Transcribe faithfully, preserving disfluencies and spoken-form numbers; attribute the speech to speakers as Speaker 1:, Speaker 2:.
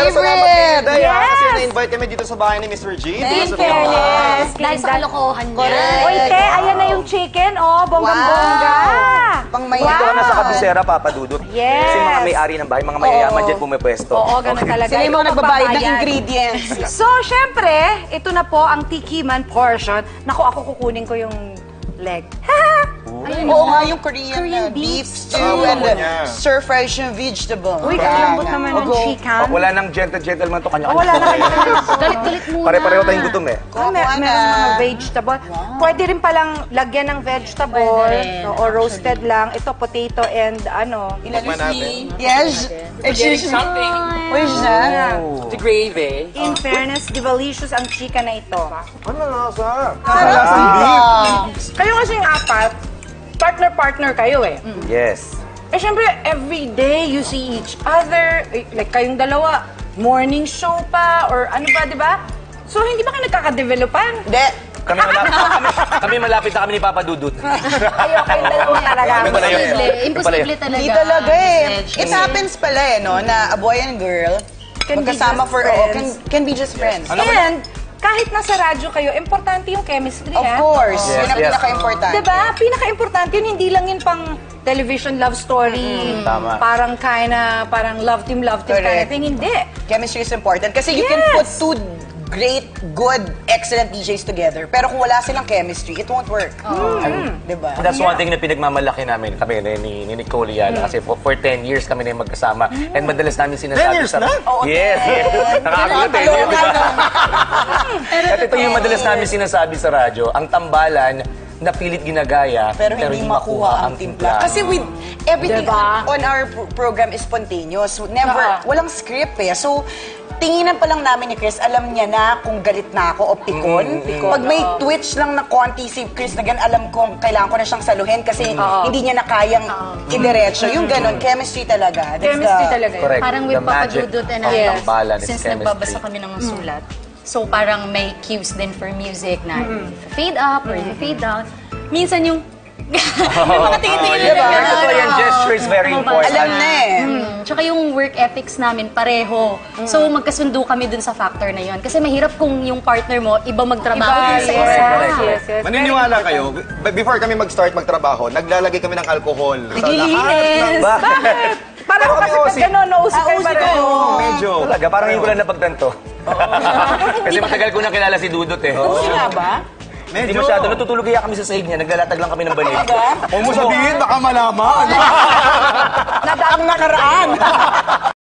Speaker 1: favorite!
Speaker 2: Yes! Kasi na-invite kami dito sa bahay ni Miss Regine.
Speaker 3: In fairness.
Speaker 4: Dahil sa kalokohan niya.
Speaker 3: Uy, te, ayan na yung chicken, oh. Bonggang-bongga.
Speaker 1: Pang may
Speaker 5: Dito ka na sa kabisera, Papa Dudut.
Speaker 3: Yes.
Speaker 5: Kasi mga may-ari ng bahay, mga mayayaman dyan pumipwesto.
Speaker 3: Oo, ganun talaga.
Speaker 1: Sila yung mga nagbabayad ng
Speaker 3: Magbabayad.
Speaker 1: ingredients.
Speaker 3: So, syempre, ito na po ang tikiman portion. Naku, ako kukunin ko yung leg.
Speaker 1: Oo nga, yung Korean,
Speaker 4: Korean
Speaker 1: uh, beef
Speaker 4: beef
Speaker 1: stew
Speaker 2: stew.
Speaker 1: and
Speaker 2: niya.
Speaker 1: uh, stir-fried yung vegetable.
Speaker 3: Uy,
Speaker 1: Yan.
Speaker 3: kalambot naman ng
Speaker 1: Ogo.
Speaker 3: chicken.
Speaker 5: Oh, wala nang gentle-gentleman to, kanya-kanya.
Speaker 3: Wala na kayo.
Speaker 4: Galit-galit muna.
Speaker 5: Pare-pareho tayong gutom eh.
Speaker 3: Ah, may,
Speaker 1: Kuha na.
Speaker 3: meron mga vegetable. Pwede rin palang lagyan ng vegetable
Speaker 4: Pwede rin,
Speaker 3: no, or roasted lang. Ito, potato and ano.
Speaker 2: Tikman natin.
Speaker 1: Yes.
Speaker 6: Getting something.
Speaker 1: Where's that?
Speaker 6: The gravy.
Speaker 3: In fairness, delicious ang chicken na ito.
Speaker 2: Ano nasa?
Speaker 1: Lasang beef.
Speaker 3: Kayo kasing apat, partner-partner kayo eh.
Speaker 5: Yes.
Speaker 3: Eh, syempre, every day you see each other. Eh, like, kayong dalawa, morning show pa, or ano ba, di ba? So, hindi ba kayo nagkakadevelopan?
Speaker 1: Hindi.
Speaker 5: Kami malapit, kami, kami malapit na kami ni Papa Dudut.
Speaker 3: Kayo, kayong dalawa talaga.
Speaker 5: Kami pala yun.
Speaker 4: Imposible. Imposible talaga.
Speaker 1: Hindi talaga eh.
Speaker 4: Miss
Speaker 1: It
Speaker 4: Reg.
Speaker 1: happens pala eh, no? Na a boy and girl,
Speaker 3: Can be
Speaker 1: magkasama
Speaker 3: just
Speaker 1: for, oh, can,
Speaker 3: friends.
Speaker 1: can be just friends.
Speaker 3: And, kahit nasa radyo kayo, importante yung chemistry,
Speaker 1: Of
Speaker 3: ha?
Speaker 1: course.
Speaker 5: Yes,
Speaker 1: Yun ang
Speaker 5: yes.
Speaker 1: pinaka-importante.
Speaker 3: Diba? Pinaka-importante yun, hindi lang yun pang television love story.
Speaker 5: Tama.
Speaker 3: Parang kinda, parang love team, love team kind of
Speaker 1: Correct.
Speaker 3: thing. Hindi.
Speaker 1: Chemistry is important kasi you can
Speaker 3: Yes.
Speaker 1: put two great, good, excellent D Js together. Pero kung wala silang chemistry, it won't work. Diba?
Speaker 5: That's one thing na pinagmamalaki namin kami ni, ni, ni Nicole Yala. Kasi for, for ten years kami na yung magkasama. And madalas namin sinasabi
Speaker 2: ten years
Speaker 5: sa...
Speaker 2: na?
Speaker 5: Yes, yes. Nakakagulat eh.
Speaker 1: Ano, ano?
Speaker 5: At ito yung madalas namin sinasabi sa radyo, ang tambalan na pilit ginagaya,
Speaker 1: Pero hindi makuha ang timpla. Kasi with everything
Speaker 3: Diba?
Speaker 1: on, on our pro- program is spontaneous. Never,
Speaker 3: Ah.
Speaker 1: walang script eh. So, tinginan pa lang namin ni Chris, alam niya na kung galit na ako o pikon. Pag may twitch lang na konti si Chris na gan, alam kong kailangan ko na siyang saluhin kasi hindi niya na kayang idiretso. Yung ganon, chemistry talaga. That's
Speaker 3: Chemistry
Speaker 1: the-
Speaker 3: talaga yun.
Speaker 5: Correct.
Speaker 4: Parang
Speaker 5: The
Speaker 4: with Papa
Speaker 5: magic
Speaker 4: Dudut and
Speaker 5: of
Speaker 4: I,
Speaker 5: tambalan is
Speaker 4: since
Speaker 5: chemistry.
Speaker 4: nagbabasa kami ng sulat, so parang may cues din for music na fade up or fade down. Minsan yung yung mga tingin-tingin na
Speaker 1: Diba?
Speaker 4: gano'n.
Speaker 5: Totoo yan, gesture is very important.
Speaker 1: Alam na eh.
Speaker 4: Mm. Tsaka yung work ethics namin, pareho. So, magkasundo kami dun sa factor na yun. Kasi mahirap kung yung partner mo, iba magtrabaho
Speaker 3: Iba,
Speaker 4: dun sa
Speaker 3: yes,
Speaker 4: isa.
Speaker 5: correct,
Speaker 3: yes, yes.
Speaker 2: Maniniwala kayo, b- before kami mag-start magtrabaho, naglalagay kami ng alcohol. Sa lahat ng...
Speaker 5: Bakit?
Speaker 3: Pareho
Speaker 2: Baka
Speaker 3: kasi
Speaker 2: kami
Speaker 3: pag
Speaker 2: O C.
Speaker 3: gano'n, no-usip
Speaker 1: Ah,
Speaker 3: kayo
Speaker 1: O C
Speaker 3: pareho.
Speaker 1: kayo.
Speaker 2: Medyo.
Speaker 5: Talaga, parang yung ko lang napagtanto. Kasi matagal ko na kilala si Dudut eh.
Speaker 1: Kasi nga ba?
Speaker 5: Hindi
Speaker 2: Medyo.
Speaker 5: masyado. Natutulog kaya kami sa sahig niya. Naglalatag lang kami ng balik.
Speaker 2: Huwag mo sabihin, baka malaman.
Speaker 1: Ang nakaraan.